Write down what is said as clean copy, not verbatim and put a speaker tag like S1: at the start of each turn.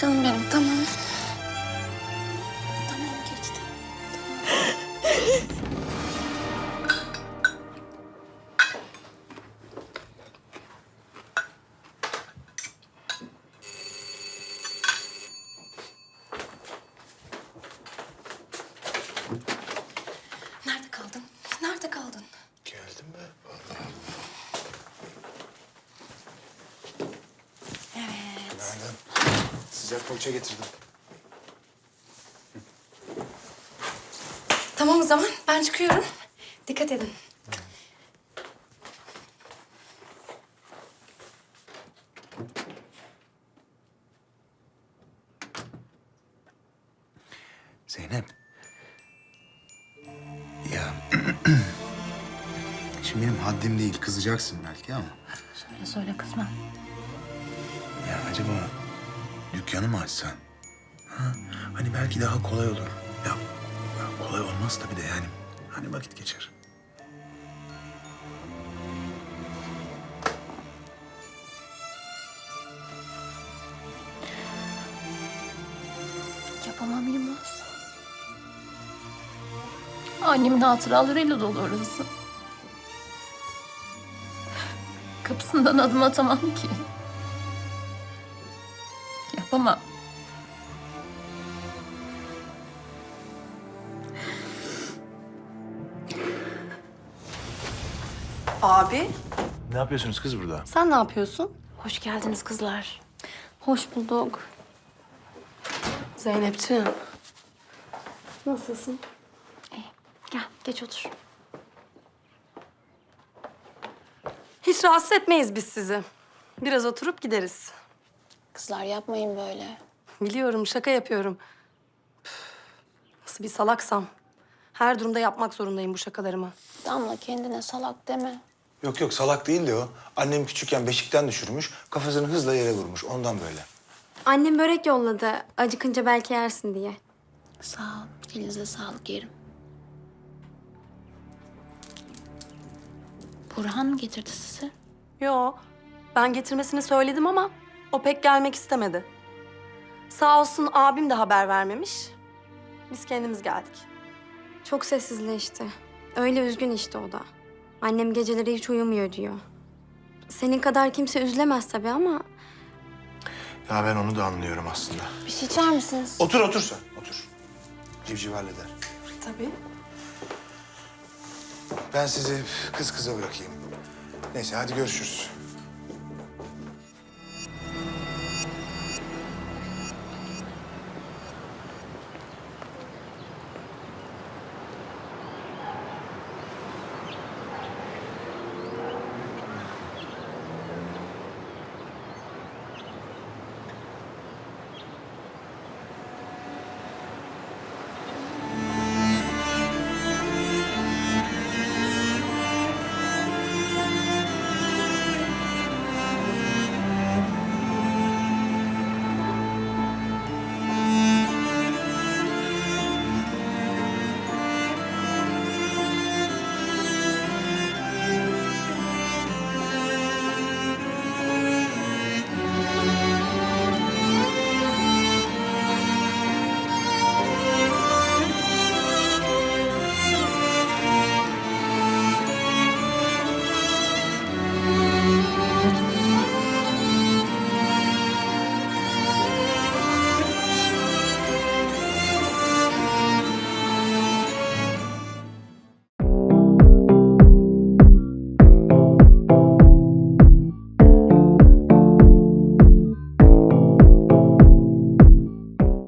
S1: Canım benim, tamam. Tamam, geçti. Nerede kaldın? Nerede kaldın?
S2: Geldim mi? Vallahi.
S1: Evet.
S2: Günaydın. Sıcak poğaça getirdim.
S1: Tamam o zaman, ben çıkıyorum. Dikkat edin.
S2: Zeynep. Ya... Şimdi benim haddim değil, kızacaksın belki ama...
S1: Söyle kızma.
S2: Ya acaba dükkanı mı açsan? Ha? Hani belki daha kolay olur. Ya kolay olmaz tabii de yani. Hani vakit geçer.
S3: Yapamam Yılmaz. Annemin hatıralarıyla dolu orası. Kapısından adım atamam ki. Yapamam.
S4: Abi,
S2: Ne yapıyorsunuz kız burada?
S4: sen ne yapıyorsun?
S3: Hoş geldiniz kızlar. Hoş bulduk.
S4: Zeynepciğim. Nasılsın?
S3: Gel, geç otur.
S4: Hiç rahatsız etmeyiz biz sizi. Biraz oturup gideriz.
S1: Kızlar yapmayın böyle.
S4: Biliyorum, şaka yapıyorum. Üf, nasıl bir salaksam. Her durumda yapmak zorundayım bu şakalarımı.
S1: Damla kendine salak deme.
S2: Yok yok, salak değil de o. Annem küçükken beşikten düşürmüş, kafasını hızla yere vurmuş. Ondan böyle.
S5: Annem börek yolladı. Acıkınca belki yersin diye.
S1: Sağ ol. Elinize sağlık yerim. Burhan mı getirdi sizi?
S4: Yo, ben getirmesini söyledim ama o pek gelmek istemedi. Sağ olsun abim de haber vermemiş. Biz kendimiz geldik.
S5: Çok sessizleşti. Öyle üzgün işte o da. Annem geceleri hiç uyumuyor diyor. Senin kadar kimse üzülemez tabii ama...
S2: Ya ben onu da anlıyorum aslında.
S1: Bir şey içer misiniz?
S2: Otur otur sen, otur. Civciv halleder.
S4: Tabii.
S2: Ben sizi kız kıza bırakayım. Neyse hadi görüşürüz.